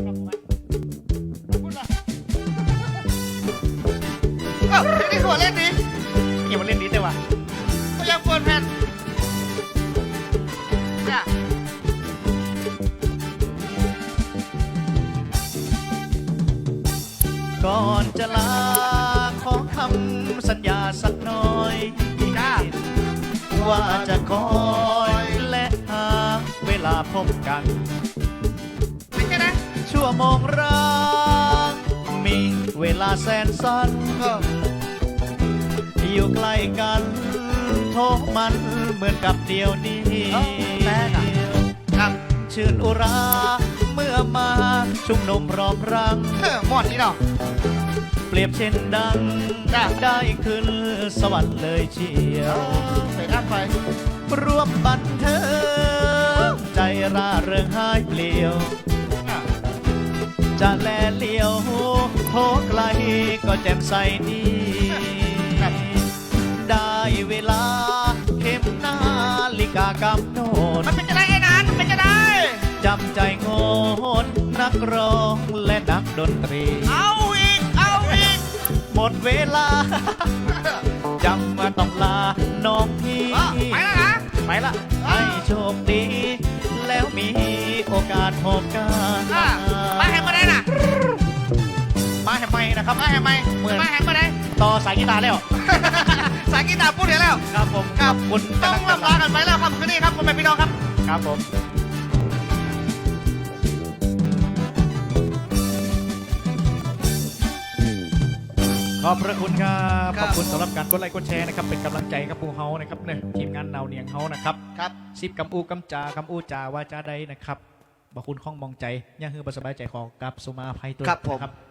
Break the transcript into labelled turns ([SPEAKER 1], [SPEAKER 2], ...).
[SPEAKER 1] นี่คือว่าเล่นดี
[SPEAKER 2] อย่ามาเล่นนี้แต่ว่า
[SPEAKER 1] ก็ยังควรแผ่นจ้ะ
[SPEAKER 2] ก่อนจะลาขอคำสัญญาสักหน่อย
[SPEAKER 1] จ้า
[SPEAKER 2] ว่าจะคอยและหาเวลาพบกัน
[SPEAKER 1] เป็นไงนะ
[SPEAKER 2] ชั่วโมงรักมีเวลาแสนสั้นอยู่ใกล้กันโทษมันเหมือนกับเดียวนี้
[SPEAKER 1] แม่ครับ
[SPEAKER 2] ชื่นอุราเมื่อมาชุมนุมพร้อมรัง
[SPEAKER 1] หมดนี่เนาะ
[SPEAKER 2] เปรียบเช่นดังได้ขึ้นสวรรค์เลยเชียว
[SPEAKER 1] ไปด้านไป
[SPEAKER 2] ร่วมบันเทิงใจร่าเริงหายเปลี่ยวจะแลเลี้ยวโทไกลก็แจ่มใสดีได้เวลาเข็มนาฬิกากำหนด
[SPEAKER 1] มันเป็นจะได้ไอ้นานมันเป็นจะได้
[SPEAKER 2] จำใจงดนักร้องและนักดนตรี
[SPEAKER 1] เอาอีก
[SPEAKER 2] หมดเวลาจำมาต้องลาน้องพี่
[SPEAKER 1] ไปแล้วนะ
[SPEAKER 2] ไปละให้โชคดีแล้วมีโอกาสพบกัน
[SPEAKER 1] มาแหมมาได้น่ะ
[SPEAKER 2] มาแหมไม่นะครับ
[SPEAKER 1] มาแหมไม่เหมือนมาแหมมาได้
[SPEAKER 2] ต่อสายกีตาร์แล้ว
[SPEAKER 1] สายกีตาร์พูดเดี๋ยวแล้ว
[SPEAKER 2] ครับผม
[SPEAKER 1] ครับคุณต้องลำลากันไปแล้วครับคืนนี้ครับคุณแม่พี่น้องครับ
[SPEAKER 2] ครับผมขอบพระคุณครับขอบคุณสำหรับการกดไลค์กดแชร์นะครับเป็นกำลังใจกับพวกเฮานะครับเนี่ยทีมงานเนาเนียงเฮานะครับ
[SPEAKER 1] ครับ
[SPEAKER 2] ซิบกำอูกำจาก่าวาจาใดนะครับบอกคุณข้องมองใจย่าฮือบสบายใจของกับสุมาภัยตัว
[SPEAKER 1] ครับผม